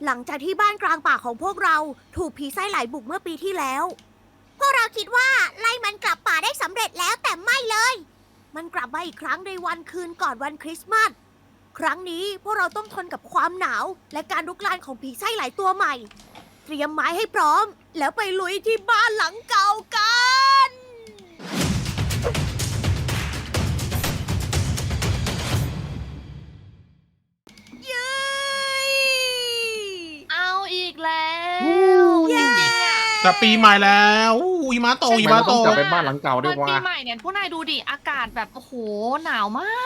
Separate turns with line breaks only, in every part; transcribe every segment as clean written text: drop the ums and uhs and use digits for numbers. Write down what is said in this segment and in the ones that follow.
หลังจากที่บ้านกลางป่าของพวกเราถูกผีไส้ไหลบุกเมื่อปีที่แล้ว พวกเราคิดว่าไล่มันกลับป่าได้สำเร็จแล้วแต่ไม่เลย มันกลับมาอีกครั้งในวันคืนก่อนวันคริสต์มาส ครั้งนี้พวกเราต้องทนกับความหนาวและการลุกลานของผีไส้ไหลตัวใหม่ เตรียมไม้ให้พร้อม แล้วไปลุยที่บ้านหลังเก่ากัน เย้
เอาอีกแล้ว
เย้
จริงๆอ่ะ
จะปีใหม่แล้วหิมะตกหิมะต
ต้อง
ก
กลับไปบ้านหลังเก่าด้
วั
วย
นปี
ว่า
ใหม่เนี่ยพวกนายดูดิอากาศแบบโอ้โหหนาวมาก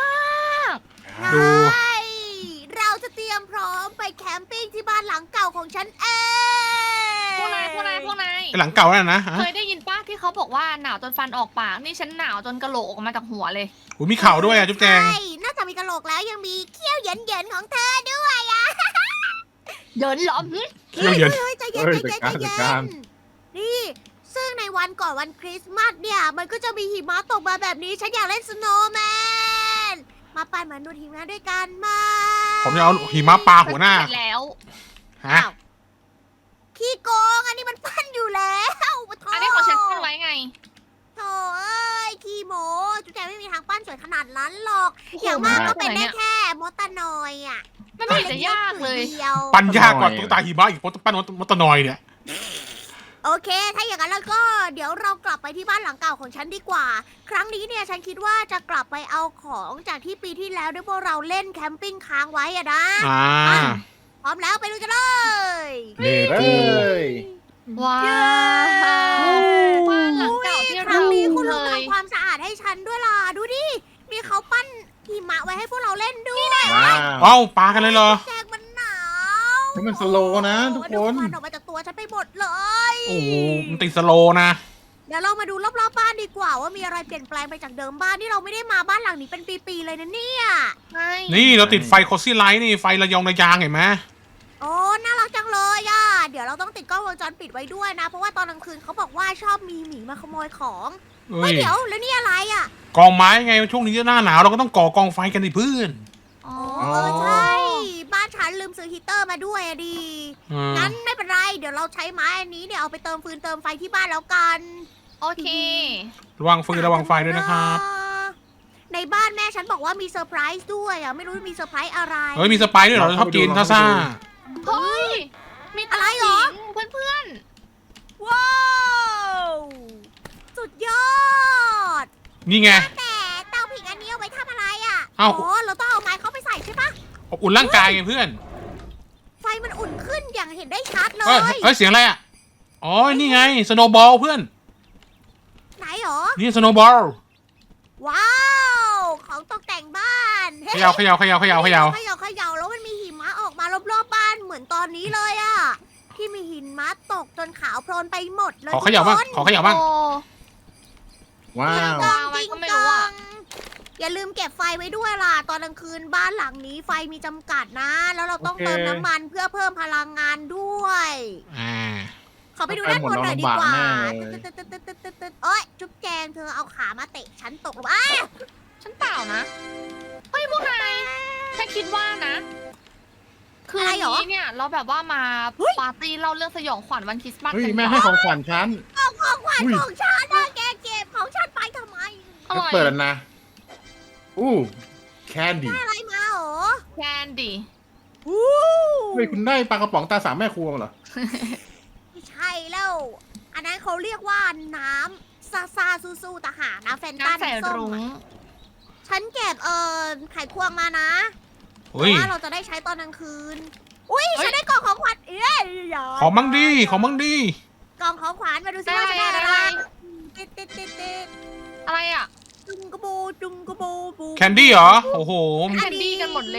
ดู
ใช่เราจะเตรียมพร้อมไปแคมปิ้งที่บ้านหลังเก่าของฉันเอง
พวกนาย
ไอ้หลังเก่านั่นนะฮะ
เคยได้ยินป้าที่เขาบอกว่าหนาวจนฟันออกปากนี่ฉันหนาวจนกระโหลกออกมาจากหัวเลย
อุ้ยมีเข่าด้วยอ่ะจุ๊บแจง
ใช่นอกจากมีกระโหลกแล้วยังมีเขี้ยวเหยินๆของเธอด้วยอ่ะ
เดินหลอม
เขี้ยวเหยิน
ฮ้ใจเย็น
เฮ้ย
ใจเย็น
จัด
ใจ
การ
เย็นนี่ซึ่งในวันก่อนวันคริสต์มาสเนี่ยมันก็จะมีหิมะตกมาแบบนี้ฉันอยากเล่นสโนว์แมนมาปั่นเหมือนดูหิมะด้วยกันมา
ผมจะเอาหิมะปาหัวหน้า
เสร็จแล้ว
ฮะ
อ้าวขี้โกงอันนี้มันปั้นอยู่แล้วปะโถ
อันนี้ของฉันตั้งไว้ไง
โถเอ้ยขี้โมจุ๊แจงไม่มีทางปั้นสวยขนาดนั้นหรอก
โอ้โห
อย่างมากก็เป็น
ไหน
ได้
เนี่ย
แค่มอตานอยอ่ะ
มันไม่เห็นจะยากเลย
ดียว
ปั้นยากกว่าตุ๊กตาหิมะอีกเพราะปั้นมอตนอยเนี่ย
โอเค ถ้าอย่างนั้นแล้วก็เดี๋ยวเรากลับไปที่บ้านหลังเก่าของฉันดีกว่า ครั้งนี้เนี่ยฉันคิดว่าจะกลับไปเอาของจากที่ปีที่แล้วด้วยพวกเราเล่นแคมปิ้งค้างไว้อะนะ
อ่า
พร้อมแล้วไปดูกันเลย
นี่เลย
ว้าวบ้านหลังเก่าที่
ครั้
เรา
งนี้คุณ
เค
ลุง
ย
ทำความสะอาดให้ฉันด้วยล่ะ ดูดิ มีเขาปั้นหิมะไว้ให้พวกเราเล่นด้วย
ว้าว
เอ้าปากันเลยเหรอ
แจกมันหนาว
นี่มันสโลว์นะทุกคน
โอ้โหดูควันออกมาจากตัวฉันไปหมดเลย
โอ้โหมันติดสโลว์นะ
เดี๋ยวเรามาดูรอบๆบ้านดีกว่าว่ามีอะไรเปลี่ยนแปลงไปจากเดิมบ้านที่เราไม่ได้มาบ้านหลังนี้เป็นปีๆเลยนะเนี่ย
ใช่
นี่เราติดไฟโคซี่ไลท์นี่ไฟระยองระยางเห็นไหม
โอ้น่ารักจังเลยอ่ะ เดี๋ยวเราต้องติดกล้องวงจรปิดไว้ด้วยนะ เพราะว่าตอนกลางคืนเขาบอกว่าชอบมีหมีมาขโมยของ
เอ้
เฮ้ย
ย
เดี๋ยวแล้วนี่อะไรอ่ะ
กองไม้ไงช่วงนี้หน้าหนาวเราก็ต้องก่อกองไฟกันดิเพื่อน
อ๋อ
เออใช่ บ้านฉันลืมซื้อฮีตเตอร์มาด้วยอะดิ
อืม
งั้นไม่เป็นไร เดี๋ยวเราใช้ไม้อันนี้เนี่ยเอาไปเติมฟืนเติมไฟที่บ้านแล้วกัน
โอเค
ระวังฟืนระวังไฟด้วยนะครับ
ในบ้านแม่ฉันบอกว่ามีเซอร์ไพรส์ด้วยอ่ะ ไม่รู้มีเซอร์ไพรส์อะไร
เฮ้ยมีสไปซ์ด้วยเหรอชอบกินท่าซ่า
เฮ้ย มี
อะไรเหรอ
เพื่อน
ว้าวสุดยอด
นี่ไง
แต่เตาผิงอันนี้เอาไว้ทำอะไรอ่ะ
เอ้า
อ๋อเราต้องเอาไม้เข้าไปใส่ใช่ปะ
อบอุ่นร่างกายไงเพื่อน
ไฟมันอุ่นขึ้นอย่างเห็นได้ชัดเล
เฮ้ย
ย
เฮ้ยเสียงอะไรอ่ะอ๋อนี่ไงสโนว์บอลเพื่อน
ไหนหรอ
นี่สโนว์บอล
ว้าว ของตกแต่งบ้าน
เขย่าเขย่าเขย่าเขย่าเขย่า
เขย่าแล้วมันมีหิมะออกมารอบๆบ้านเหมือนตอนนี้เลยอะที่มีหิมะตกจนขาวโพลนไปหมดเลย
ขอเขย่าบ้าง
ทุกคน
ขอเขย่า
ๆ
บ้าง
โอ้
ว้าว
จริง
วางไว้ก็ไม่รู้อะ
อย่าลืมเก็บไฟไว้ด้วยล่ะ ตอนกลางคืนบ้านหลังนี้ไฟมีจำกัดนะ แล้วเราต้อง
โอเค
เติมน้ำมันเพื่อเพิ่มพลังงานด้วย
อ่า
ขอไปดูด้านบนหน่อยดีกว่า
ไปหมดแล้วลำบากแน่เลย
ตึ๊ดๆๆๆๆโอ๊ยจุ๊บแจงเธอเอาขามาเตะฉันตกลงอ้า
ฉันเปล่านะ เฮ้ยพวกนายฉันคิดว่านะ คืนนี้เนี่ยเราแบบว่ามาปาร์ตี้เล่าเรื่องสยองขวัญวันคริสต์มาส
เฮ้ย
กัน
แม่ให้ของขวัญฉัน
ของขวัญ
อุ้ย
ของฉันนะแกเก็บของฉันไปทำไม
อร่อย
เปิดแล้วนะ อู้แคนดี้
อะไรมาหรอ
แคนดี้
อู้
เฮ้ยคุณได้ปลากระป๋องตาสามแม่ครัวมาเหรอ
ไม่ใช่แล้ว อันนั้นเขาเรียกว่าน้ำซาซาซูซูตะหากนะแฟนตา
น้ำใส่
ส้ม
รุ้ง
อะฉันเก็บไข่ควงมานะเพ
เฮ้ย
ราะว่าเราจะได้ใช้ตอนกลางคืน อุ้ยฉันได้กล่องของขวัญเอ้ยอย่า
ของมั่งดีของมั่งดี
กล่องของขวัญมาดูซิ
ได้
ว่าฉันได้
อะไร
อะไรติด
อะไรอ่ะ
จุงกระโบจุงกระโบบู
แคนดี้เหรอโอ้โห
แคนดี้กันหมดเลย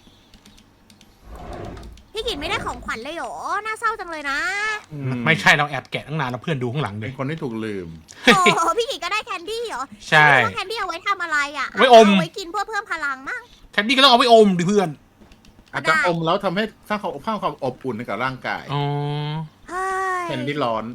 พี่กินไม่ได้ของขวัญเลยเหรอ น่าเศร้าจังเลยนะ
ไม่ใช่เราแอบแกะตั้งนานแล้วเพื่อนดูข้างหลังเล
เป็
ย
นคนที่ถูกลืม
โอ้โหพี่กินก็ได้แคนดี้เหรอ
ใช่
ไม่รู้ว่าแคนดี้เอาไว้ทำอะไรอ่ะ
ไว้อม
เอาไว้กินเพื่อเพิ่มพลังมั้ง
แคนดี้ก็ต้องเอาไปอมดิเพื่อน
อาจจะอมแล้วทำให้สร้างความอบอุ่นให้กับร่างกาย
อ๋อ
เฮ้ย
แคนดี้ร้อน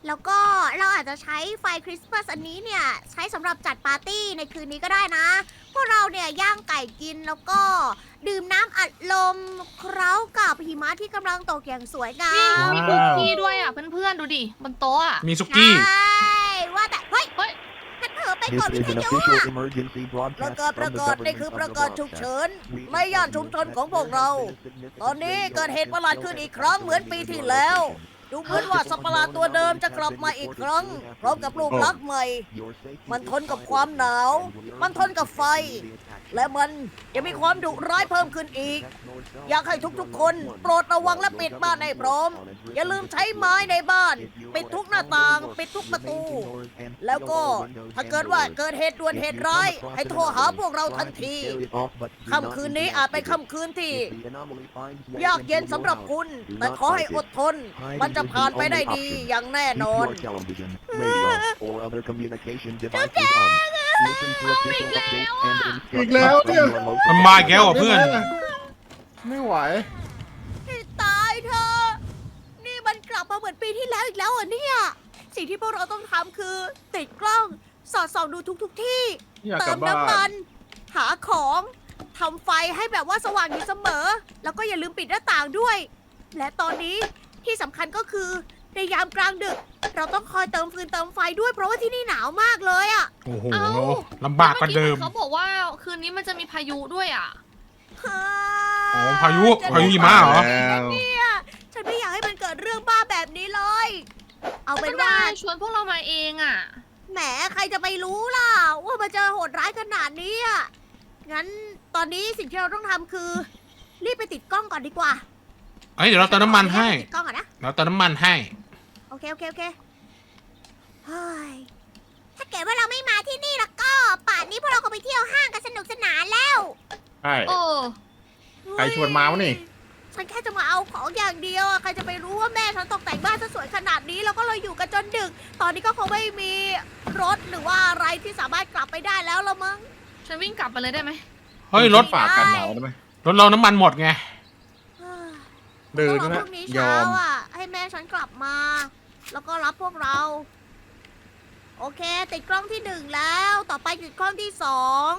แล้วก็เราอาจจะใช้ไฟคริสต์มาสอันนี้เนี่ยใช้สำหรับจัดปาร์ตี้ในคืนนี้ก็ได้นะ พวกเราเนี่ยย่างไก่กินแล้วก็ดื่มน้ำอัดลมเคล้ากับหิมะที่กำลังตกอย่างสวยงา
นี่
ม
มีคุกกี้ด้วยอ่ะเพื่อนๆดูดิบนโต๊ะอะ
มีซุกี้
ใช่ว่าแต่เฮ้ย
เฮ้ย
ฉันเผลอไป
This
กดวิ
is
ท
an
ยุ
official
อะ
emergency
ประ
broadcast
กาศ
from the government
นี่คือ
of
ประ
the
กาศฉุก
broadcast.
เฉิน
We
ในย่านชุมชนของพวกเรา ตอนนี้เกิดเหตุประหลาดขึ้นอีกครั้งเหมือนปีที่แล้ว ดูเหมือนว่าสัตว์ประหลาดตัวเดิมจะกลับมาอีกครั้ง พร้อมกับรูปลักษณ์ใหม่ มันทนกับความหนาว มันทนกับไฟ และมันยังมีความดุร้ายเพิ่มขึ้นอีก อยากให้ทุกๆ คนโปรดระวังและปิดบ้านให้พร้อม อย่าลืมใช้ไม้ในบ้าน ปิดทุกหน้าต่าง ปิดทุกประตู แล้วก็ถ้าเกิดว่าเกิดเหตุด่วนเหตุร้าย ให้โทรหาพวกเราทันที ค่ำคืนนี้อาจเป็นค่ำคืนที่ยากเย็นสำหรับคุณ แต่ขอให้อดทน มันจะผ่านไปได้ดีอย่างแน่นอน
Keep your television, radio, or other communication devices on. Listen to official updates and
อีก
instructions
แล้ว
from
เนี่ย
your local
มันมาอีกแล้วเหรอเพื่อน
ไม่ไหว
ให้ตายเธอะนี่มันกลับมาเหมือนปีที่แล้วอีกแล้วเหรอเนี่ย สิ่งที่พวกเราต้องทำคือ ติดกล้องสอดส่องดูทุกที่
อยาก
เติ
กลั
ม
บบ้า
น้ำมัน
น
หาของทำไฟให้แบบว่าสว่างอยู่เสมอ แล้วก็อย่าลืมปิดหน้าต่างด้วย และตอนนี้ที่สำคัญก็คือในยามกลางดึก เราต้องคอยเติมฟืนเติมไฟด้วยเพราะว่าที่นี่หนาวมากเลยอะ
โอ้โห
เอ้า
ลำบากกว่าเดิม
เขาบอกว่าคืนนี้มันจะมีพายุด้วยอ่ะ
อ๋อพายุหิมะเหรอ
แล้ว
เนี่ยฉันไม่อยากให้มันเกิดเรื่องบ้าแบบนี้เลย เอาเป็น
ก็
ว่า
นายชวนพวกเรามาเองอ่ะ
แหมใครจะไปรู้ล่ะ ว่ามันจะโหดร้ายขนาดนี้อ่ะงั้นตอนนี้สิ่งที่เราต้องทำคือ รีบไปติดกล้องก่อนดีกว่า
เอ้ยเดี๋ยวเราเติมน้ำมันให้
ติดกล้องก่อนนะ
เราเติมน้ำมันให้
โอเคเฮ้ยถ้าเกิดว่าเราไม่มาที่นี่แล้วก็ป่านนี้พวกเราคงไปเที่ยวห้างกันสนุกสนานแล้ว
ใช่
เออ
ใครชวนมาวะนี่
ฉันแค่จะมาเอาของอย่างเดียวอะใครจะไปรู้ว่าแม่ฉันตกแต่งบ้านซะสวยขนาดนี้แล้วก็เลยอยู่กันจนดึก ตอนนี้ก็คงไม่มีรถหรือว่าอะไรที่สามารถกลับไปได้แล้วละมั้ง
ฉันวิ่งกลับไปเลยได้ไหม
เฮ้ยรถ
ฝากกันหนาวได้ไหม
รถเราน้ำมันหมดไง
เดิน
ต้องรอ
นะ
พรุ่งนี้
ย
เช้า
อม
อ่ะ ให้แม่ฉันกลับมา แล้วก็รับพวกเรา โอเค ติดกล้องที่หนึ่งแล้ว ต่อไปติดกล้องที่สอง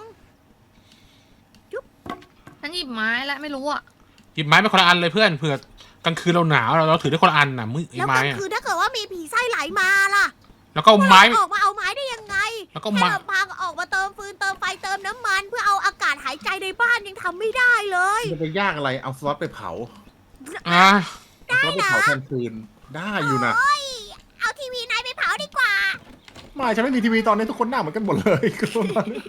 ฉันหยิบไม้แล้วไม่รู้อ่ะ
หยิบไม้ไปคนละอันเลยเพื่อนเผื่อกลางคืนเราหนาวเราถือได้คนละอันน่ะมือไอ้
แล้ว
ไม้
กลาง
อะ
คืนถ้าเกิดว่ามีผีไส้ไหลมาล่ะ
แล้วก็เอาไม้
ออกมาเอาไม้ได้ยังไง
แล้วก็
แค่
มา
ลำพังออกมาเติมฟืนเติมไฟเติมน้ำมัน เพื่อเอาอากาศหายใจในบ้านยังทำไม่ได้เลย
จะไปยากอะไร เอาสล็อตไปเผา
อ่ะ
เอาสล็อตไปเผาแทนฟืน ได้อยู่นะ
โอ้ยเอาทีวีนายไปเผาดีกว่า
ไม่ฉันไม่มีทีวีตอนนี้ทุกคนหน้าเหมือนกันหมดเลย คือตอนนี้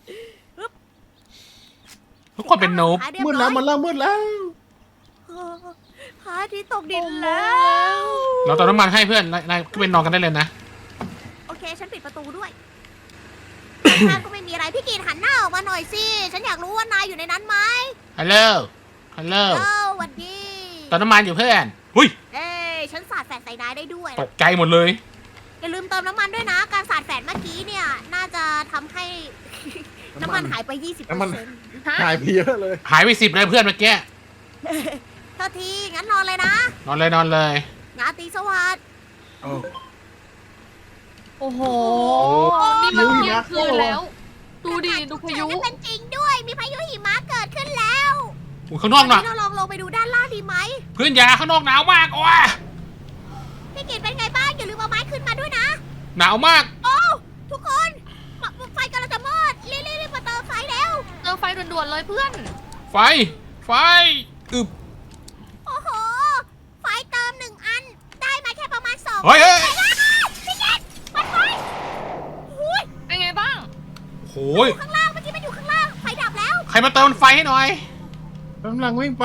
ทุกคนเป็นโนบ
หาเรียบ
มืด
ร้
แล้
อ
วย มันเริ่มมืดแล้ว
พระอาทิตย์ตกดินแล้ว
เราเติมน้ำมันให้เพื่อนนายก็เป็นนอนกันได้เลยนะ
โอเค ฉันปิดประตูด้วย ข้างก็ไม่มีอะไร พี่กีนหันหน้าออกมาหน่อยสิ ฉันอยากรู้ว่านายอยู่ในนั้นไหม
ฮัลโหลฮัลโหล
เอ้าหวันดี
เติมน้ำมันอยู่เพื่อนหุ้ย
เอ้ยฉันสาดแฝดใส่นายได้ด้วย
ตกใจหมดเลย
อย่าลืมเติมน้ำมันด้วยนะ การสาดแฝดเมื่อกี้เนี่ย น่าจะทำให้ น้ำมันหายไป 20%
น้ำมัน
ฮะ
หายไปเยอะเลย
หายไป10เลยเพื่อนเมื่อกี้
โทษที งั้นนอนเลยนะ
นอนเลยนอนเลย
ราตรีสวัสดิ์
โอ้
โอ้โห
โอ้
นี่มัน
พายุ
เที่ยงคืน
หิมะ
แล้ว ดูดิดูพายุ
นั่นเป็นจริงด้วย มีพายุหิมะเกิดขึ้นแล้ว
อุ้ยข้างนอกหน่ะ
เราลองลงไปดูด้านล่างดีไหม
เพื่อนอย่าข้างนอกหนาวมากโอ้ย
พี่กีนเป็นไงบ้าง อย่าลืมเอาไม้ขึ้นมาด้วยนะ
หนาวมาก
โอ้ทุกคนไฟกำลังจะมอดรีบมาเติมไฟแล้ว
เจอไฟด่วนๆเลยเพื่อน
ไฟอึบ
โอ้โห ไฟเติม1 อัน ได้มาแค่ประมาณ2
เฮ้ยเฮ้ย
พี่เกดปัดไฟหุ้ย
เป็นไงบ้าง
โอ้ย
ข้างล่างเมื่อกี้มันอยู่ข้างล่าง ไฟดับแล้ว
ใครมาเติมไฟให้หน่อย
กำลังวิ่งไป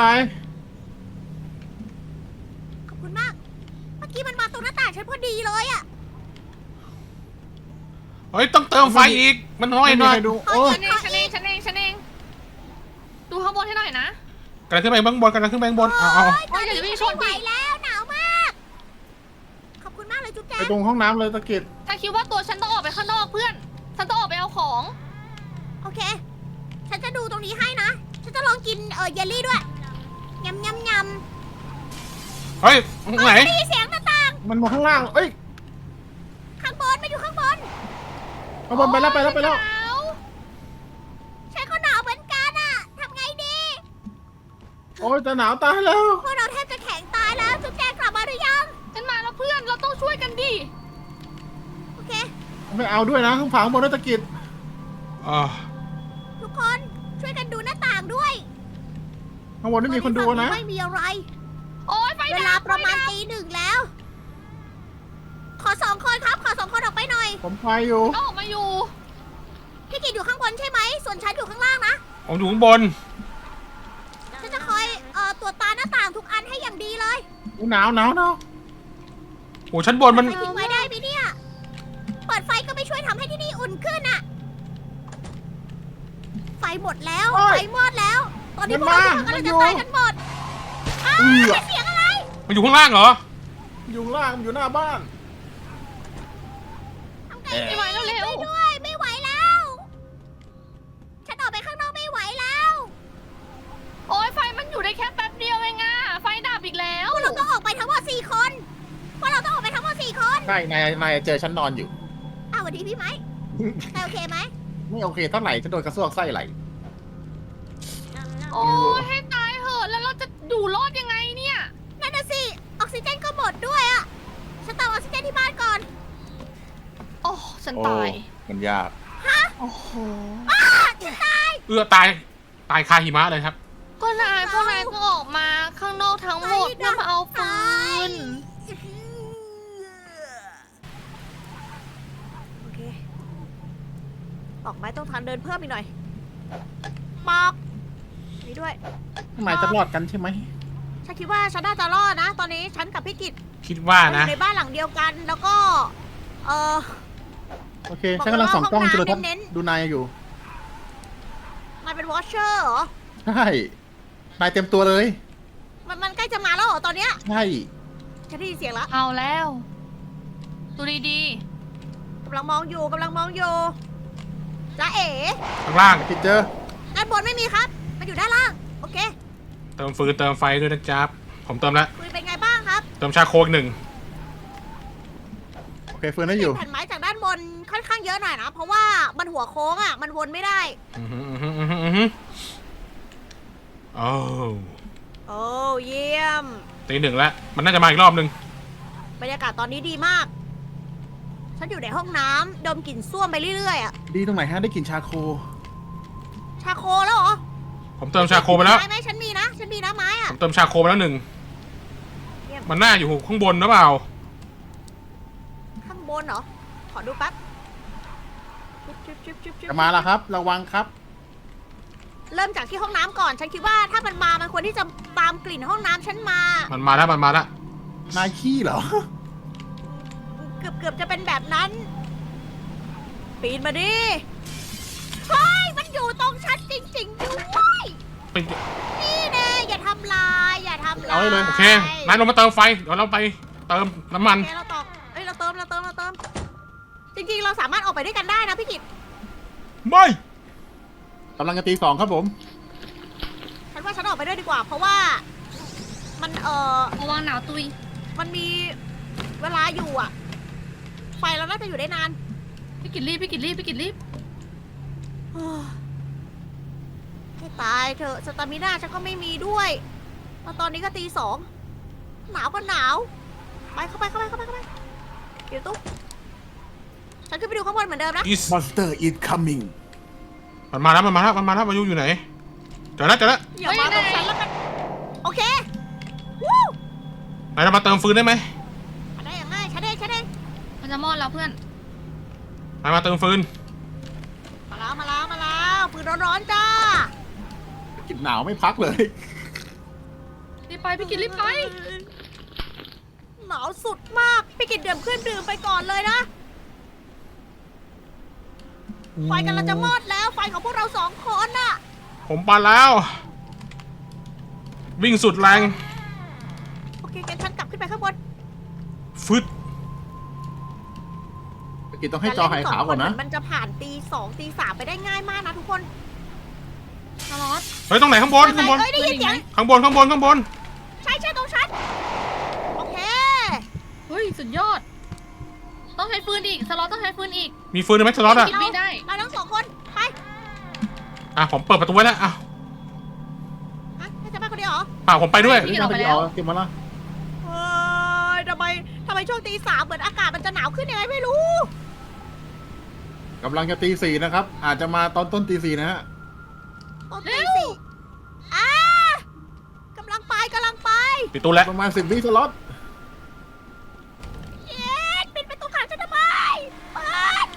ขอบคุณมาก เมื่อกี้มันมาตรงหน้าต่างฉันพอดีเลยอะ
เฮ้ยต้องเติมไฟอีกมันน้อย
ไม่
ห
มี
น่อย
ใครดู โอ้
ฉันเอง ดูข้างบนให้หน่อยนะ
กำลังขึ้นไปข้างบนกำลังขึ้นไปข้างบนเอา
โอ้ย
โอ้ยอย่าจะวิ่งชน
ไม่ไหว
ดิ
แล้วหนาวมาก ขอบคุณมากเลยจุ๊บแจ๊
ไปตรงห้องน้ำเลยตะกิด
ถ้าคิดว่าตัวฉันต้องออกไปข้างนอกเพื่อน ฉันต้องออกไปเอาของ
โอเค ฉันจะดูตรงนี้ให้นะ ฉันจะลองกินเยลลี่ด้วยยำ
เฮ้ยตรงไหน
ได้ยินเสียงหน้าต่าง
มันมาข้างล่าง เอ้ย
อยู่ข้างบน
เอาบอลไปแล้วไปแล้วไปแล้ว
หนาว
ฉันก็หนาวเหมือนกันอะทำไงดี
โอ้ยจะหนาวตายแล้ว
พวกเราแทบจะแข็งตายแล้วจุ๊บแจงกลับมาหรือยัง
ฉันมาแล้วเพื่อนเราต้องช่วยกันดิ
โอเค
ไม่เอาด้วยนะข้างฝาข้างบนนักกิจ
อ่า
ทุกคนช่วยกันดูหน้าต่างด้วย
ข้างบนไม่มีคนดูนะ
ไม่มีอะไร
โอ้ยไฟ
เว
ดั
ลา
บ
ประมาณตี 1แล้ว ขอ2 คนครับ ขอ2 คนออกไปหน่อย
ผมไปอยู่
ก็ออกมาอยู่
พี่กิตอยู่ข้างบนใช่ไหม ส่วนฉันอยู่ข้างล่างนะ
ผมอยู่ข้างบน
ฉันจะคอยตรวจตาหน้าต่างทุกอันให้อย่างดีเลย
หนาวหนาวหนาว
โอ้ชั้นบนมัน
ไฟทิ้งไว้ได้ไหมเนี่ย เปิดไฟก็ไม่ช่วยทำให้ที่นี่อุ่นขึ้นอะไฟหมดแล้ว ไฟมอดแล้ว ตอนนี้พวกเราทุกคนกำลังจะตายกันหมดอ้าวเสียงอะไร
มันอยู่ข้างล่างเหรอ
อยู่ข้างล่างอยู่หน้าบ้าน
ทำไง
ไม่ไหวแล้วเร็ว
ช่วยด้วย ไม่ไหวแล้ว ฉันออกไปข้างนอกไม่ไหวแล้ว
โอ้ยไฟมันอยู่ได้แค่แป๊บเดียวเองอะไฟดับอีกแล้ว
พวกเราต้องออกไปทั้งหมด4 คน พวกเราต้องออกไปทั้งหมด4 คน
ใช่นายเจอฉันนอนอยู่
อ้าวสวัสดีพี่ไหมนายโอเคไหม
ไม่โอเคเท่าไหร่ฉันโดนกระซวกไส้ไหล
โอ้ยให้ตายเหอะแล้วเราจะอยู่รอดยังไงเนี่ย
นั่นน่ะสิ ออกซิเจนก็หมดด้วยอะฉันเติมออกซิเจนที่บ้านก่อน
โอ้ฉัน
โอ้
ตาย
มันยาก
โอ้โห
ฉันตาย
ตายคาหิมะเลยครับ
ก็นายพวกนายต้องออกมาข้างนอกทั้งหมดเพื่อมาเอาฟืน
โอเคออกไม้ต้องทันเดินเพิ่มอีกหน่อยปอกนี่ด้วย
ทำไมจะรอดกันใช่ไหม
ฉันคิดว่าฉันน่าจะรอดนะ ตอนนี้ฉันกับพี่กิต
คิดว่า
เราอ
นะ
ยู่ในบ้านหลังเดียวกัน แล้วก็
โอเคฉันกำลังส่องกล้องจุลทรรศน์
เน้น
ดูนายอยู่
มันเป็นวอชเชอร์เหรอ
ใช่นายเต็มตัวเลย
มันใกล้จะมาแล้วเหรอตอนเนี้ย
ใช่
ฉันได้ยินเสียงแล้ว
เอาแล้วดูดี
กำลังมองอยู่จ้าเอ๋
ข้างล่าง
คิดเจอ
ด้านบนไม่มีครับ มันอยู่ด้านล่าง โอเค
เติมฟืนเติมไฟด้วยนะจ๊บผมเติมแล้ว
คุยเป็นไงบ้างครับ
เติมชาโคก1
โอเคเฟิร์นได้อยู่
แผ่นไม้จากด้านบนค่อนข้างเยอะหน่อยนะ เพราะว่ามันหัวโค้งอ่ะ มันวนไม่ได้
โอ้
โอ้เยี่ยม
ตี 1แล้วมันน่าจะมาอีกรอบนึง
บรรยากาศตอนนี้ดีมาก ฉันอยู่ในห้องน้ำดมกลิ่นส้วมไปเรื่อยๆอ่ะ
ดีตรงไหนฮะได้กลิ่นชาโค
ชาโคแล้วเหรอ
ผมเติมชาโคไปแล้ว
ไม้ไหมฉันมีนะไม้
ผ
อ่ะ
มเติมชาโคไปแล้ว1
เยี่ยม
มันน่าอยู่ข้างบนหรือเปล่า
ข้างบนเหรอ ขอดูแป๊บจุ๊บ
จะมาแล้วครับ ระวังครับ
เริ่มจากที่ห้องน้ำก่อน ฉันคิดว่าถ้ามันมามันควรที่จะตามกลิ่นห้องน้ำฉันมา
มันมาแล้ว
นายขี้เหรอ
เกือบจะเป็นแบบนั้น ปีนมาดิ เฮ้ย มันอยู่ตรงฉันจริงๆด้วย
เป็น
นี่แน่อย่าทำลาย
เอาให้เลย
โอเคนายลงมาเติมไฟเดี๋ยวเราไปเติมน้ำมัน
โอเคเราตอกเอ้ยเราเติม จริงๆ เราสามารถออกไปด้วยกันได้นะพี่กิต
ไม่
กำลังจะตี 2ครับผม
ฉันว่าฉันออกไปด้วยดีกว่า เพราะว่ามัน
ๆระวังหนาวตุย
มันมีเวลาอยู่อ่ะ ไฟเราน่าจะอยู่ได้นาน
พี่กิดรีบ
ให้ตายเถอะสตามิน่าฉันก็ไม่มีด้วยแล้วตอนนี้ก็ตี 2 หนาวก็หนาว ไปเข้าไปเดี๋ยวตุ๊กฉันขึ้นไปดูข้างบนเหมือนเดิมนะ
อีส
Monster is coming
มันมาแล้วมายุอยู่ไหนเจอแล้ว
อย่ามาตรงฉันแล้วกัน โอเค วู้
นายจะมาเติมฟืนได้ไหม
มาได้อย่างง่ายฉันเอง
มันจะมอดแล้วเพื่อน
นายมาเติมฟืน
มาแล้วปืนร้อนๆจ้า
กลิ่นหนาวไม่พักเลย
รีบไปพี่กิดรีบไป
หนาวสุดมากพี่กินดื่มไปก่อนเลยนะ ไฟกำลังจะมอดแล้ว ไฟของพวกเรา2 คนน่ะ
ผมปาแล้ว วิ่งสุดแรง
โอเคงั้นฉันกลับขึ้นไปข้างบน
ฟึด
กินต้องให้จอหายขาวก่อนนะ
มันจะผ่านตี 2 ตี 3ไปได้ง่ายมากนะทุกคน
คาร์ลอส
เฮ้ยตรงไหนข้างบน
เอ้ยได้ยินเสียง
ข้างบน
ใช่ตรงฉัน โอเค
เฮ้ยสุดยอดต้องใช้ฟืนอีก สล็อตต้องใช้ฟืนอีก
มีฟืนไหมสล็อตอะ
คิดไม่ได้
เราทั้งสองคนไป
อ่ะผมเปิดประตูไว้แล้วอ่ะ
อ่ะให้จะไปคนเดียวเหรอ
ป่าผมไปด้วย
พี่ออกไปแล้ว
เก็บมาละ
เฮ้ยทำไมช่วงตีสามเหมือนอากาศมันจะหนาวขึ้นยังไงไม่รู้
กำลังจะตีสี่นะครับ อาจจะมาตอนต้นตีสี่นะฮะ
ตอนตีสี่อ่ากำลังไป
ปิดตู้แล้ว
ประมาณ10 วิสล็อต
เย็ดปิดประตูขังฉันทำไมเปิด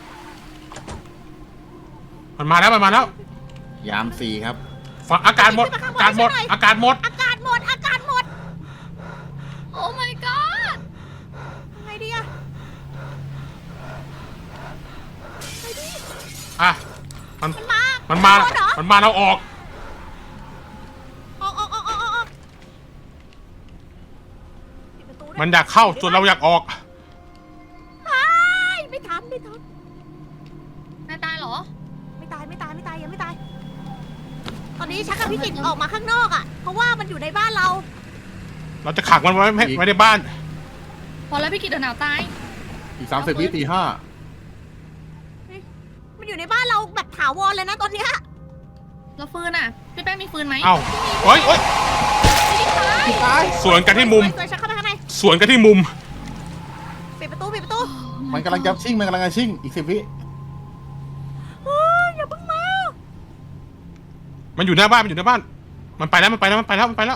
มันมาแล้ว
ยาม4ครับ
ฝั่งอากาศหมดอากาศหมด
อากาศหมด
โอ้ my god
ยังไงดีอะ
อ่ะมัน
มันมา
มันมา
โดนเหรอ
มันมาเราออก
ออกปิดประตูด้วย
มันอยากเข้าส่วนเราอยากออก
ไม่ทัน
นายตายเหรอ
ไม่ตายยังไม่ตาย ตอนนี้ชักกับพี่กิตออกมาข้างนอกอ่ะ เพราะว่ามันอยู่ในบ้านเรา
เราจะขังมันไว้ไม่ได้บ้าน
พอแล้วพี่กิตเดี๋ยวหนาวตาย
อีก30 วิตี
มันอยู่ในบ้านเราแบบถาวรเลยนะตอนเนี้ย
แล้วฟืนอ่ะ พี่แป้งมีฟืนไหม
เอ้าเฮ้ย
5ตาย
สวนกันที่มุม
สวยชักเข้าไปข้างใน
สวนกันที่มุม
ปิดประตู
มันกำลังจะชิ่งอีก10 วิ
เฮ้ยอย่าเพิ่งมา
มันอยู่หน้าบ้านมันไปแล้ว
เอ้ยมันยัง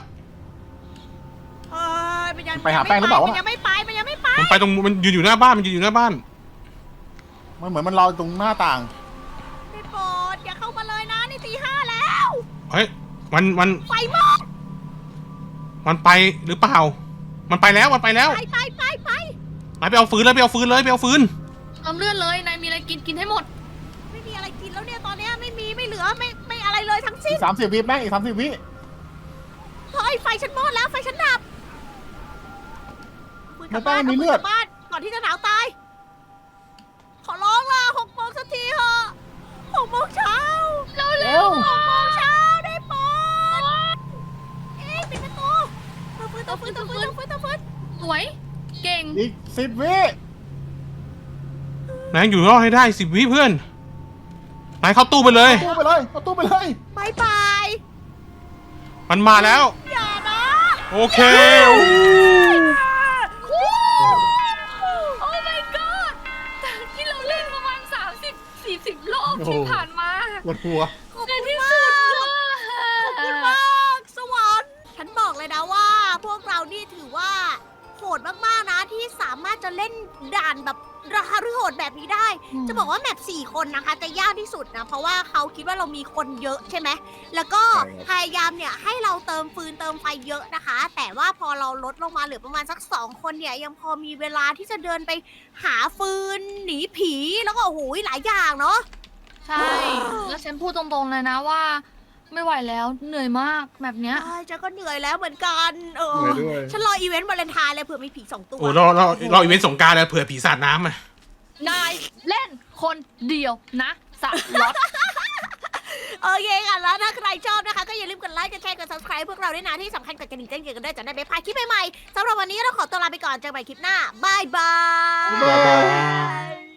ไปหาแป้งหรือเปล่าวะ
มันยังไม่ไป
มันไปตรงมันยืนอยู่หน้าบ้าน
มันเหมือนมันรอตรงหน้าต่าง
ได้โปรดอย่าเข้ามาเลยนะนี่ตี 5แล้ว
เฮ้ยมัน
ไฟหมด
มันไปหรือเปล่า มันไปแล้ว
ไป
นายไปเอาฟืนเลยไปเอาฟืน
เติมเลือดเลย นายมีอะไรกินให้หมด
ไม่มีอะไรกินแล้วเนี่ยตอนเนี้ยไม่เหลือไม่อะไรเลยทั้งสิ้
อี
น
ก30 วิแม่งอีก30 วิ
เฮ้ยไฟฉันหมดแล้วไฟฉันดับ
มันต้องมีเลือด
กลับบ้านก่อนที่จะหนาวตาย ขอร้องล่ะ6 โมงสักทีเถอะ6 โมงเช้า
เร็ว
6 โมงเช้าได้โปรดเอ๊ะปิดประตูเติมฟืน
สวย เก่ง
อีก10 วิ
นายอยู่รอดให้ได้10 วิเพื่อน นายเข้าตู้ไปเลย
เอาตู้ไปเลย
บายบาย
มันมาแล้ว
อย่านะ
โอเค
โอ้ my god จากที่เราเล่นประมาณ30-40 รอบที่ผ่านมา
ปวดหัว
ขอบ
ใน
คุณ
ที่
มา
สุด
ก ขอบคุณมากสวรรค์ฉันบอกเลยนะว่า พวกเรานี่ถือว่าโหดมากๆนะที่สามารถจะเล่นด่านแบบระหฤโหดแบบนี้ได้ จะบอกว่าแมป4 คนนะคะจะยากที่สุดนะ เพราะว่าเขาคิดว่าเรามีคนเยอะใช่ไหมแล้วก็
ใช่ครับ
พยายามเนี่ยให้เราเติมฟืนเติมไฟเยอะนะคะ แต่ว่าพอเราลดลงมาเหลือประมาณสัก2 คนเนี่ยยังพอมีเวลาที่จะเดินไปหาฟืนหนีผีแล้วก็โอ้โหหลายอย่างเนาะ
ใช่ แล้วฉันพูดตรงๆเลยนะว่า ไม่ไหวแล้วเหนื่อยมากแบบเนี้ย
ใช่ฉันก็เหนื่อยแล้วเหมือนกัน
เหนื่อยด้วย
ฉันรออีเวนต์วาเลนไทน์เลยเผื่อมีผี2 ตัว
โอ้เราอีเวนต์สงกรารเลยเผื่อผีสาดน้ำอ่ะ
นายเล่นคนเดียวนะสล็อต
โอเคค่ะแล้วถ้าใครชอบนะคะ ก็อย่าลืมกดไลค์กดแชร์กด subscribe พวกเราด้วยนะที่สำคัญกดกระดิ่งแจ้งเตือนกันด้วยจะได้ไม่พลาดคลิปใหม่ๆสำหรับวันนี้เราขอตัวลาไปก่อนเจอกันใหม่คลิปหน้าบายบาย
บ๊ายบาย